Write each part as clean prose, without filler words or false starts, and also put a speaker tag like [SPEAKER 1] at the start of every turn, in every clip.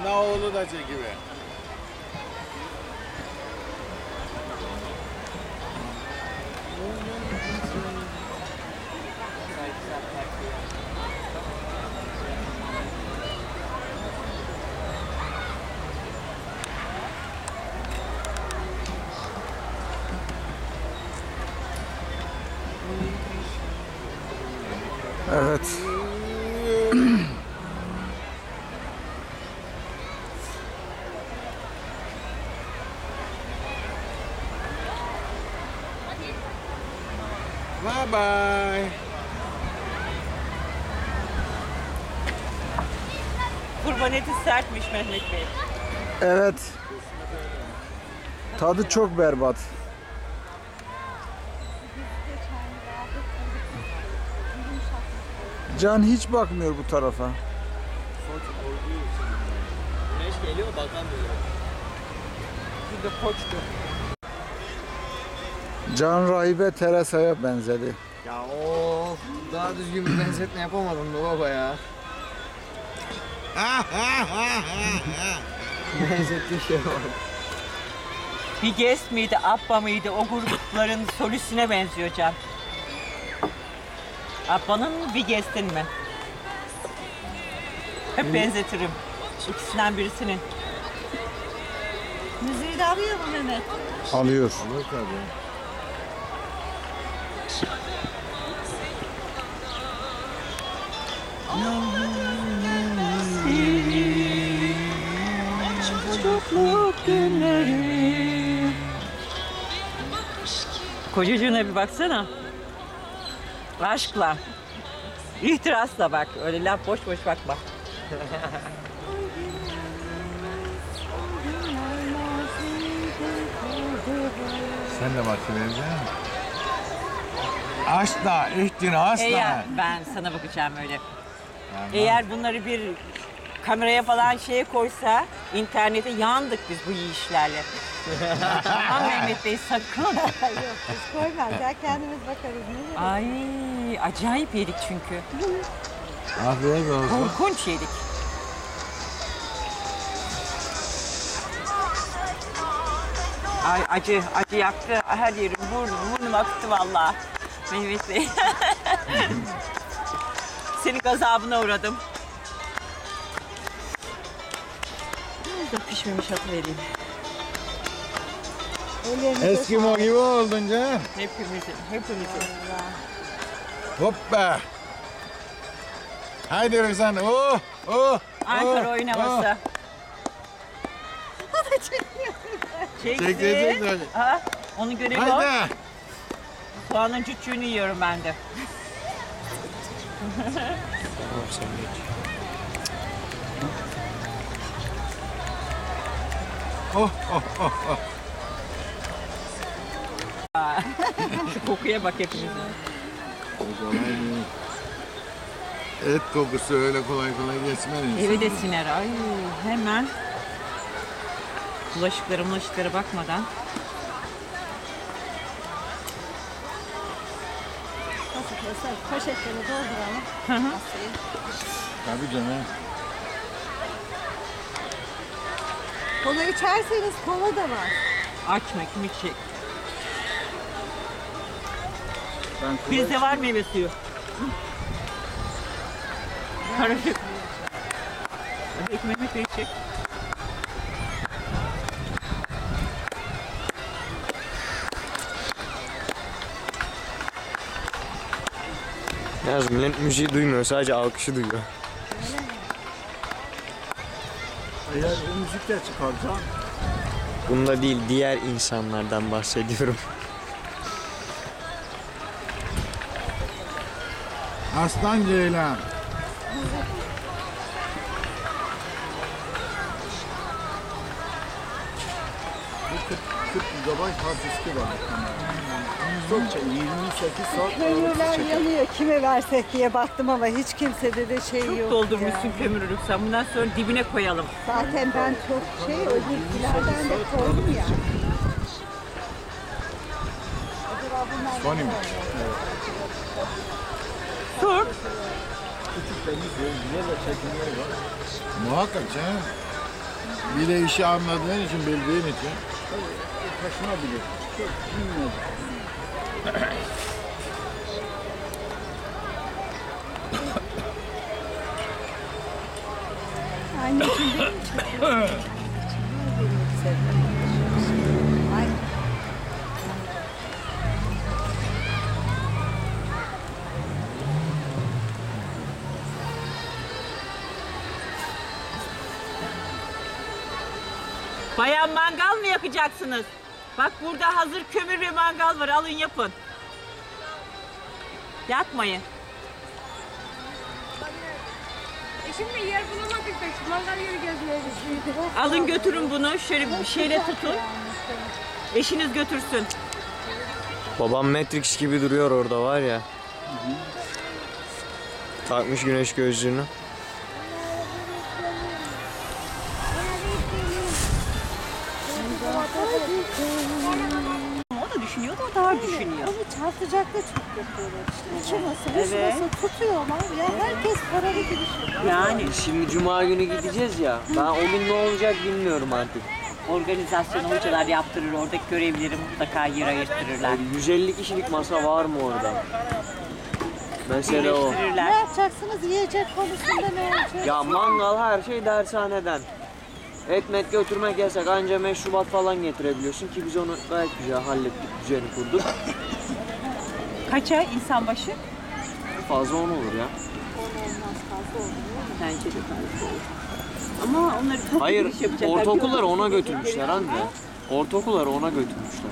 [SPEAKER 1] Ana oğlu da çekiver.
[SPEAKER 2] Evet.
[SPEAKER 1] Bye bye.
[SPEAKER 3] Kurban eti sertmiş Mehmet Bey.
[SPEAKER 2] Evet. Tadı çok berbat. Can hiç bakmıyor bu tarafa.
[SPEAKER 4] Güneş geliyor bakamıyor.
[SPEAKER 3] Burada koçtu.
[SPEAKER 2] Can rahibe Teresa'ya benzedi.
[SPEAKER 4] Ya of, daha düzgün bir benzetme yapamadın mı baba ya? Benzettiği şey var.
[SPEAKER 3] Bigest miydi, Abba mıydı? O grupların solistine benziyor Can. Abba'nın mı, Bigest'in mi? Hep benzetirim. İkisinden birisinin.
[SPEAKER 5] Müziği de alıyor mu Mehmet?
[SPEAKER 2] Alıyor.
[SPEAKER 1] Olur tabii.
[SPEAKER 3] Çocukluk günleri. Kocacığına bir baksana. Aşkla. İhtirasla bak. Öyle laf boş boş bakma.
[SPEAKER 1] Sen de bakıvereceksin. Asla, ihtinasla.
[SPEAKER 3] Eğer ben sana bakacağım öyle. Eğer bunları bir kameraya falan şeye koysa internete yandık biz bu yiyişlerle. Aman Mehmet Bey sakın.
[SPEAKER 5] Yok biz koymazlar kendimiz bakarız. Ne
[SPEAKER 3] Ay acayip yedik çünkü.
[SPEAKER 1] Afiyet olsun.
[SPEAKER 3] Korkunç yedik. Ay acı yaktı her yerim, burnum aktı vallahi. Mehmet Bey. Senin gazabına uğradım. Biraz da pişmemiş atı vereyim.
[SPEAKER 5] Ellerinize
[SPEAKER 1] Eskimo gibi oldun canım.
[SPEAKER 3] Hepimizin.
[SPEAKER 1] Hoppa. Haydi Rızan. Oh, oh.
[SPEAKER 3] Ankara oyun havası.
[SPEAKER 5] O da çekiyor.
[SPEAKER 1] Çek, çek.
[SPEAKER 3] Ha, onu görelim o.
[SPEAKER 1] Haydi.
[SPEAKER 3] Soğanın cücüğünü yiyorum ben de.
[SPEAKER 4] Tamam sen geç.
[SPEAKER 1] Oh, oh, oh, oh.
[SPEAKER 3] Şu kokuya bak hepimizin.
[SPEAKER 1] Kolay değil. Et kokusu öyle kolay kolay geçmez.
[SPEAKER 3] Eve de siner. Ay hemen. Bulaşıklara bakmadan.
[SPEAKER 5] Nasıl keser? Poşetleri dolduralım.
[SPEAKER 3] Hı hı.
[SPEAKER 1] Tabii canım.
[SPEAKER 5] Kola içerseniz kola da var.
[SPEAKER 3] Açma kim içecek? Bizde var meyve suyu. Karışık. Hadi ekmek içecek.
[SPEAKER 4] Yalnız millet müziği duymuyor, sadece alkışı duyuyor.
[SPEAKER 2] Eğer o müzik de çıkaracağım.
[SPEAKER 4] Bunda değil, diğer insanlardan bahsediyorum.
[SPEAKER 1] Aslan Ceylan.
[SPEAKER 2] Bu 40 GB hard diski var. Çok 28 saat
[SPEAKER 5] Kömürler yanıyor. Kime versek diye baktım ama hiç kimsede de şey
[SPEAKER 3] Çok
[SPEAKER 5] yok.
[SPEAKER 3] doldurmuşsun
[SPEAKER 5] ya.
[SPEAKER 3] kömürlük. Sen bundan sonra dibine koyalım.
[SPEAKER 5] Zaten ben çok öbürkilerden de koydum ya. Acaba bunlar
[SPEAKER 1] Sony mi?
[SPEAKER 3] Sor.
[SPEAKER 2] küçük deniz yoluyla çekimleri var.
[SPEAKER 1] Muhakkak canım. Bir de işi anladığın için, bildiğin için.
[SPEAKER 2] Taşınabilir. Çok bilmiyorum.
[SPEAKER 5] Anneciğim benim çocuğum. Ay.
[SPEAKER 3] Bayan mangal mı yakacaksınız? Bak burada hazır kömür ve mangal var. Alın yapın. Yakmayın.
[SPEAKER 6] Şimdi yer bulamadık da şu mangal yeri gezmeye gidiyoruz.
[SPEAKER 3] Alın götürün bunu. Şöyle bir şeyle tutun. Eşiniz götürsün.
[SPEAKER 4] Babam Matrix gibi duruyor orada var ya. Takmış güneş gözlüğünü.
[SPEAKER 3] O da düşünüyor da o daha düşünüyor.
[SPEAKER 5] Onu çarpacak da çok yapıyorlar işte. İki masa, üç
[SPEAKER 3] Evet.
[SPEAKER 5] masa tutuyorlar. Ya herkes paralı gibi.
[SPEAKER 3] Yani
[SPEAKER 4] Şimdi cuma günü gideceğiz ya. Ben o gün ne olacak bilmiyorum artık.
[SPEAKER 3] organizasyon hocalar yaptırır. Oradaki görevlileri mutlaka yer ayırttırırlar.
[SPEAKER 4] 150 kişilik masa var mı orada? Mesele o.
[SPEAKER 5] Ne
[SPEAKER 3] Birleştirirler.
[SPEAKER 5] yapacaksınız? Yiyecek konusunda ne olacak?
[SPEAKER 4] Ya mangal her şey dershaneden. Etmet götürmek yasak, anca meşrubat falan getirebiliyorsun ki biz onu gayet güzel hallettik, düzeni kurduk.
[SPEAKER 3] Kaça insan başı?
[SPEAKER 4] Fazla 10 olur ya.
[SPEAKER 3] Bence de fazla olur. Ama onları toplu
[SPEAKER 4] Hayır,
[SPEAKER 3] giriş yapacaklar.
[SPEAKER 4] ortaokulları ona götürmüşler anne. Ortaokulları ona götürmüşler.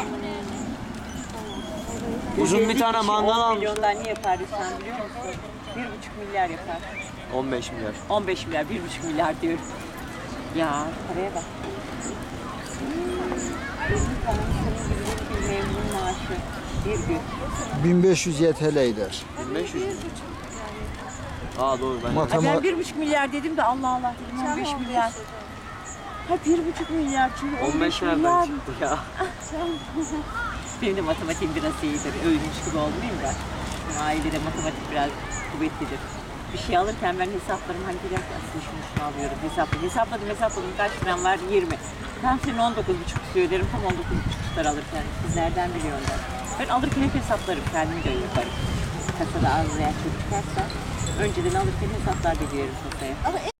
[SPEAKER 4] Uzun bir tane mangal
[SPEAKER 3] 10
[SPEAKER 4] almış.
[SPEAKER 3] milyondan ne yapar sen biliyor musun? 1,5 milyar yapar.
[SPEAKER 4] 15 milyar.
[SPEAKER 3] 15 milyar, 1,5 milyar diyorum. Ya paraya bak. Benim bir memnun maaşı bir gün.
[SPEAKER 2] 1500 YTL eder.
[SPEAKER 4] 1500 mü? Aa doğru ben.
[SPEAKER 3] Ay ben 1,5 milyar dedim de Allah Allah dedim 15 milyar. Ha 1,5 milyar çünkü 15
[SPEAKER 4] 15
[SPEAKER 3] milyar.
[SPEAKER 4] nereden çıktı ya?
[SPEAKER 3] Benim de matematiğim biraz iyidir. Övünmüş gibi olmayayım da. Bizim ailede matematik biraz kuvvetlidir. Bir şey alırken ben hesaplarım hani bir dakika aslında şunu alıyorum hesapladım kaç gram var 20. Ben senin 19,5 istiyor derim tam 19,5 tutar alırken. Siz nereden biliyorsun? Ben alırken hep hesaplarım kendimi de yaparım. Kasada az veya çok çıkarsa önceden alırken hesaplar veriyorum kasaya.